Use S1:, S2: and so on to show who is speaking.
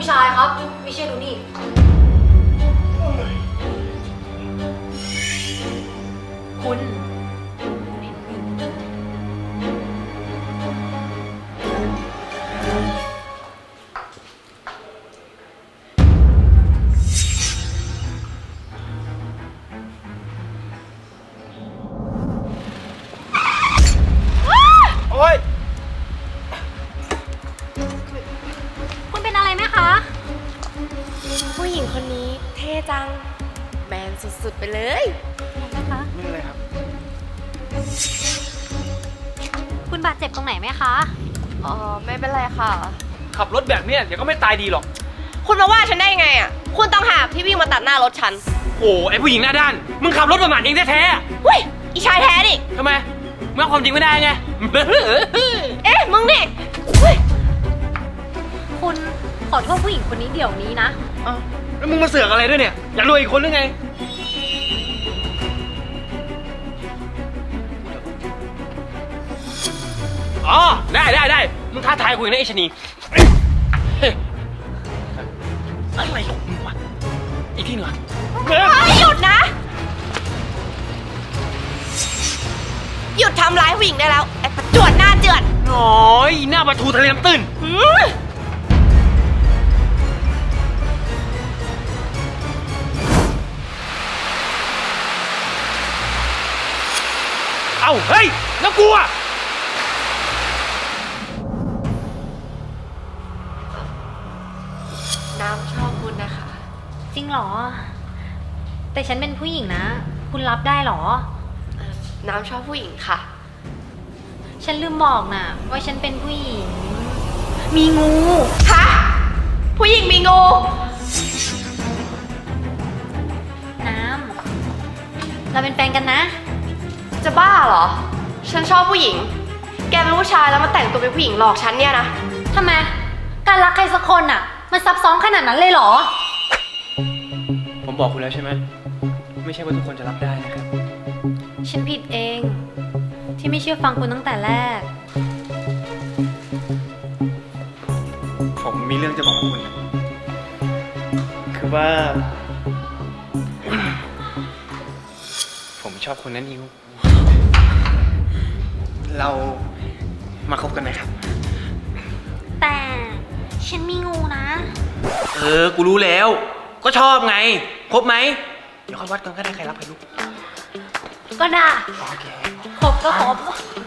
S1: ผู้ชายครับไม่เชื่อดูนี่คุณ
S2: โอ๊ย
S1: คุณเป็นอะไรไหมคะ
S3: ผู้หญิงคนนี้เท่จังแมนสุดๆไปเลย
S1: นะคะ
S2: ไม่เป็นไรครับ
S1: คุณบาดเจ็บตรงไหนไหมคะ
S3: อ๋อไม่เป็นไรค่ะ
S2: ขับรถแบบเนี้ยเดี๋ยวก็ไม่ตายดีหรอก
S3: คุณมาว่าฉันได้ยังไงอ่ะคุณต้องหากที่วิ่งมาตัดหน้ารถฉัน
S2: โอ้ไอผู้หญิงหน้าด้าน มึงขับรถประมาทเองแท้ๆอะ
S3: เฮ้ยอีชายแท้ดิ
S2: ทำไมมึงเอาความจริงไม่ได้ไง
S3: เอ๊ะมึงนี่เฮ้ย
S1: คุณขอโทษผู้หญิงคนนี้เดี๋ยวนี้นะ
S2: เอ้าแล้วมึงมาเสือกอะไรด้วยเนี่ย อยากรวยอีกคนหรือไง อ๋อ ได้ มึงท้าทายกูอีกนะไอ้ชะนีเฮ้ยอะไรของมึงวะ อีกทีหนึ่งอะ
S3: เฮ้ยหยุดนะ หยุดทำร้ายผู้หญิงได้แล้วไอ้ประจวดหน้าเจือด
S2: น้อยหน้าประตูทะเลน้ำตื้น
S3: หืม
S2: เอ้า เฮ้ย แล้วกูอะ
S3: น้ำชอบคุณนะคะ
S1: จริงเหรอ แต่ฉันเป็นผู้หญิงนะ คุณรับได้เหรอ
S3: น้ำชอบผู้หญิงค่ะ
S1: ฉันลืมบอกนะว่าฉันเป็นผู้หญิง มีงู
S3: ฮะ ผู้หญิงมีงู
S1: น้ำเราเป็นแฟนกันนะ
S3: จะบ้าเหรอ ฉันชอบผู้หญิง แกเป็นผู้ชายแล้วมาแต่งตัวเป็นผู้หญิงหลอกฉันเนี่ยนะ
S1: ทำไม การรักใครสักคนอ่ะ มันซับซ้อนขนาดนั้นเลยเหรอ
S2: ผมบอกคุณแล้วใช่ไหม ไม่ใช่ว่าทุกคนจะรับได้นะครับ
S1: ฉันผิดเอง ที่ไม่เชื่อฟังคุณตั้งแต่แรก
S2: ผมมีเรื่องจะบอกคุณนะคือว่า ผมชอบคุณนะนิว เรามาคบกันไหมครับ
S1: แต่ฉันมีงูนะ
S2: กูรู้แล้ว ก็ชอบไง คบไหม เดี๋ยวค่อยวัดกันก็ได้ใครรับใครรู้
S1: ก็ได้
S2: โอเค
S1: ครบก็ครบ